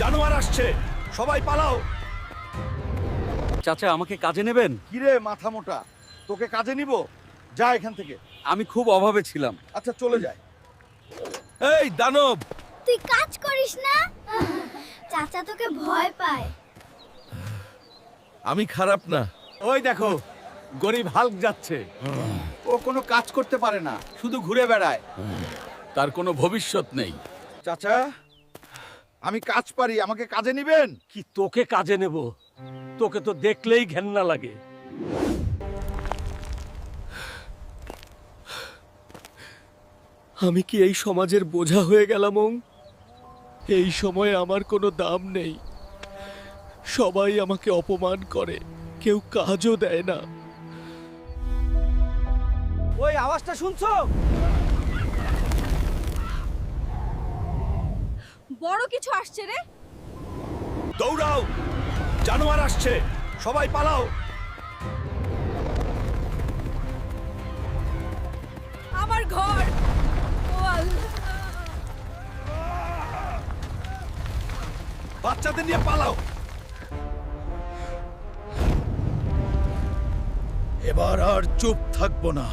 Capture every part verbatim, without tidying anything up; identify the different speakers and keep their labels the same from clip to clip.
Speaker 1: জানোয়ার আসছে, সবাই পালাও।
Speaker 2: চাচা আমাকে কাজে নেবেন?
Speaker 1: কিরে মাথা মোটা, তোকে কাজে নিব? যা এখান থেকে।
Speaker 2: আমি খুব অভাবে ছিলাম।
Speaker 1: আচ্ছা চলে যায়। এই দানব,
Speaker 3: তুই কাজ করিস না? চাচা তোকে ভয় পায়।
Speaker 1: আমি খারাপ না।
Speaker 2: ওই দেখো, গরিব হাল্ক যাচ্ছে।
Speaker 1: ও কোনো কাজ করতে পারে না, শুধু ঘুরে বেড়ায়।
Speaker 2: তার কোনো ভবিষ্যৎ নেই।
Speaker 1: চাচা, আমি কাজ পারি, আমাকে কাজে নিবেন?
Speaker 4: কি তোকে কাজে নেব? তোকে তো দেখলেই ঘেন্না লাগে। আমি কি এই সমাজের বোঝা হয়ে গেলাম? ওং? এই সময়ে আমার কোনো দাম নেই। সবাই আমাকে অপমান করে, কেউ কাজও দেয় না।
Speaker 2: ওই আওয়াজটা শুনছো?
Speaker 3: বড় কিছু আসছে রে।
Speaker 1: দৌড়াও, জানোয়ার আসছে, সবাই পালাও।
Speaker 3: আমার ঘর। ও আল্লাহ।
Speaker 1: বাচ্চাদের নিয়ে পালাও। এবার আর চুপ থাকবো না।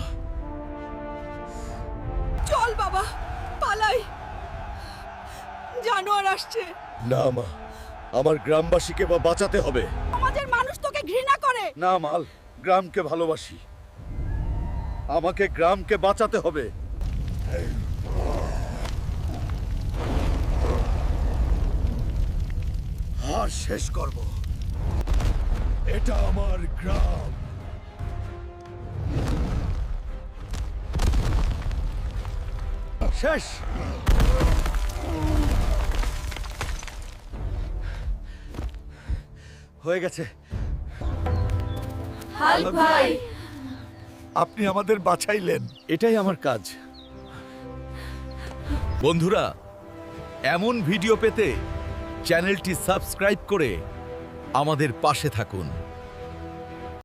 Speaker 3: চল বাবা, পালাই। জানোয়ার আসছে।
Speaker 1: না মা, আমার গ্রামবাসীকে বা বাঁচাতে হবে।
Speaker 3: সমাজের মানুষ তোকে ঘৃণা করে।
Speaker 1: না মাল, গ্রামকে ভালোবাসি। আমাকে গ্রামকে বাঁচাতে হবে। আর শেষ করব। এটা আমার গ্রাম। শেষ। হয়ে গেছে।
Speaker 3: হাল্ক ভাই।
Speaker 1: আপনি আমাদের বাঁচাইলেন, এটাই আমার কাজ। বন্ধুরা, এমন ভিডিও পেতে চ্যানেলটি সাবস্ক্রাইব করে আমাদের পাশে থাকুন।